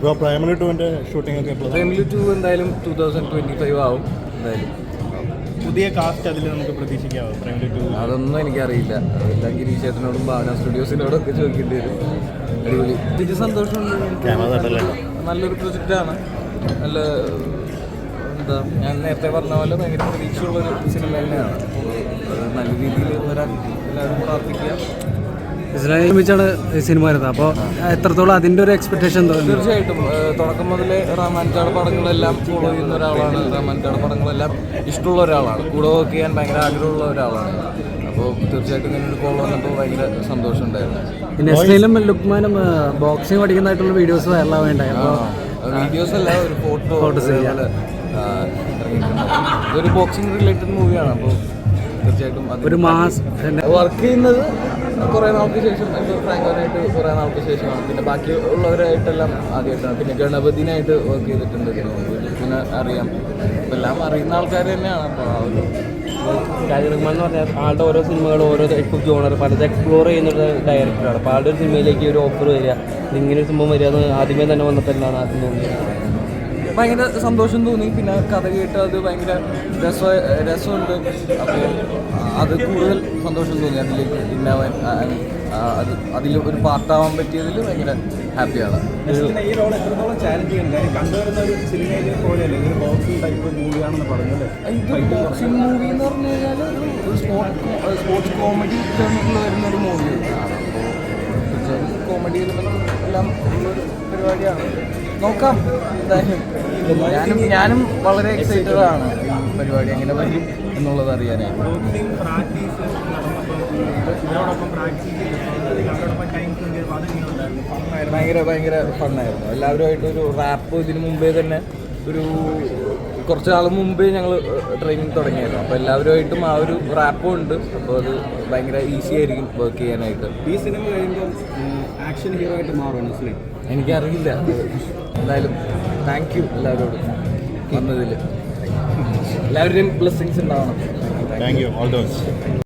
ഇപ്പോൾ പ്രൈമറി 2-ൻ്റെ ഷൂട്ടിംഗ് ഒക്കെ പ്രൈമറി 2 എന്തായാലും 2025 ആവും എന്തായാലും. പുതിയ കാസ്റ്റ് അതിൽ നമുക്ക് പ്രതീക്ഷിക്കാമോ പ്രൈമറി 2? അതൊന്നും എനിക്കറിയില്ല. അതെല്ലാം ഗിരീഷ് ചേട്ടനോടും ഭാവന സ്റ്റുഡിയോസിനോടും ഒക്കെ ചോദിക്കേണ്ടി വരും. അടിപൊളി. എനിക്ക് സന്തോഷമുണ്ട്. നല്ലൊരു പ്രൊജക്റ്റാണ്. നല്ല എന്താ ഞാൻ നേരത്തെ പറഞ്ഞ പോലെ ഭയങ്കര പ്രതീക്ഷയുള്ളൊരു സിനിമ തന്നെയാണ്. നല്ല രീതിയിൽ വരാൻ എല്ലാവരും പ്രാർത്ഥിക്കുക. നിർമ്മിച്ചാണ് സിനിമ വരുന്നത്. അപ്പോൾ എത്രത്തോളം അതിൻ്റെ ഒരു എക്സ്പെക്ടേഷൻ തോന്നുന്നു? തീർച്ചയായിട്ടും തുടക്കം മുതലേ റഹ്മാൻചാട് പടങ്ങളെല്ലാം ഫോളോ ചെയ്യുന്ന ഒരാളാണ്. റഹ്മാൻചാട് പടങ്ങളെല്ലാം ഇഷ്ടമുള്ള ഒരാളാണ്. കൂടെ വർക്ക് ചെയ്യാൻ ഭയങ്കര ആഗ്രഹമുള്ള ഒരാളാണ്. അപ്പോൾ തീർച്ചയായിട്ടും ഇങ്ങനെ ഒരു കോൾ വന്നപ്പോൾ ഭയങ്കര സന്തോഷമുണ്ടായിരുന്നു. നെസ്ലിനും ലുക്മാനും ബോക്സിംഗ് പഠിക്കുന്നതായിട്ടുള്ള വീഡിയോസ് വൈറലാവേണ്ടായി. അപ്പോൾ വീഡിയോസ് അല്ല, ഒരു ഫോട്ടോസ് ഇറങ്ങിയിട്ടുണ്ട്. ഇതൊരു ബോക്സിംഗ് റിലേറ്റഡ് മൂവിയാണ്. അപ്പോൾ തീർച്ചയായിട്ടും ഒരു മാസ് വർക്ക് ചെയ്യുന്നത് കുറേ നാൾക്ക് ശേഷം, ഇപ്പോൾ ഫ്രാങ്കോനായിട്ട് കുറേ നാൾക്ക് ശേഷമാണ്. പിന്നെ ബാക്കി ഉള്ളവരായിട്ടെല്ലാം ആദ്യമായിട്ടാണ്. പിന്നെ ഗണപതിനായിട്ട് വർക്ക് ചെയ്തിട്ടുണ്ട്. പിന്നെ അറിയാം, ഇപ്പം എല്ലാം അറിയുന്ന ആൾക്കാർ തന്നെയാണ്. അപ്പോൾ ആ ഒരു ഷാജി റഹ്മാൻ എന്ന് പറഞ്ഞാൽ ആളുടെ ഓരോ സിനിമകളും ഓരോ ടൈപ്പ് ഓഫ് ജോണർ പലത് എക്സ്പ്ലോർ ചെയ്യുന്നൊരു ഡയറക്ടറാണ്. അപ്പോൾ ആളുടെ ഒരു സിനിമയിലേക്ക് ഒരു ഓഫർ വരിക, ഇങ്ങനെ ഒരു സംഭവം വരിക എന്ന് ആദ്യമേ തന്നെ വന്നപ്പോഴാണ് ആദ്യം തോന്നിയത്. ഭയങ്കര സന്തോഷം തോന്നി. പിന്നെ കഥ കേട്ട് അത് ഭയങ്കര രസമുണ്ട്. അപ്പോൾ അത് കൂടുതൽ സന്തോഷം തോന്നി. അതിലേക്ക് ഇന്നാവാൻ അതിൽ ഒരു പാർട്ടാവാൻ പറ്റിയതിൽ ഭയങ്കര ഹാപ്പിയാണ്. ഈ റോൾ എത്രത്തോളം ചാലഞ്ചിങ് ഉണ്ട്? കണ്ടുവരുന്ന ഒരു സിനിമയിലെ പോലെയല്ലേ, ഇതൊരു ബോക്സിംഗ് ടൈപ്പ് മൂവിയാണെന്ന് പറഞ്ഞല്ലേ? ഇത് ബോക്സിംഗ് മൂവി എന്ന് പറഞ്ഞു കഴിഞ്ഞാൽ ഒരു സ്പോർട്സ് കോമഡി ടേണിൽ വരുന്നൊരു മൂവിയാണ്. അപ്പോൾ തീർച്ചയായും കോമഡി എല്ലാം ഉള്ളൊരു പരിപാടിയാണ്. നോക്കാം എന്തായാലും. ഞാനും വളരെ എക്സൈറ്റഡ് ആണ് ഈ പരിപാടി എങ്ങനെ വരും എന്നുള്ളത് അറിയാനായിട്ട്. ഭയങ്കര ഫണ്ണായിരുന്നു. എല്ലാവരുമായിട്ട് ഒരു റാപ്പ് ഇതിന് മുമ്പേ തന്നെ ഒരു കുറച്ച് നാൾ മുമ്പേ ഞങ്ങൾ ട്രെയിനിങ് തുടങ്ങിയായിരുന്നു. അപ്പോൾ എല്ലാവരുമായിട്ടും ആ ഒരു റാപ്പും ഉണ്ട്. അപ്പോൾ അത് ഭയങ്കര ഈസി ആയിരിക്കും വർക്ക് ചെയ്യാനായിട്ട്. ഈ സിനിമ കഴിയുമ്പോൾ ആക്ഷൻ ഹീറോ ആയിട്ട് മാറും മുസ്ലിം? എനിക്കറിയില്ല. എന്തായാലും താങ്ക് യു എല്ലാവരോടും വന്നതിൽ. എല്ലാവരുടെയും ബ്ലെസ്സിങ്സ് ഉണ്ടാവണം. Thank you. All the best.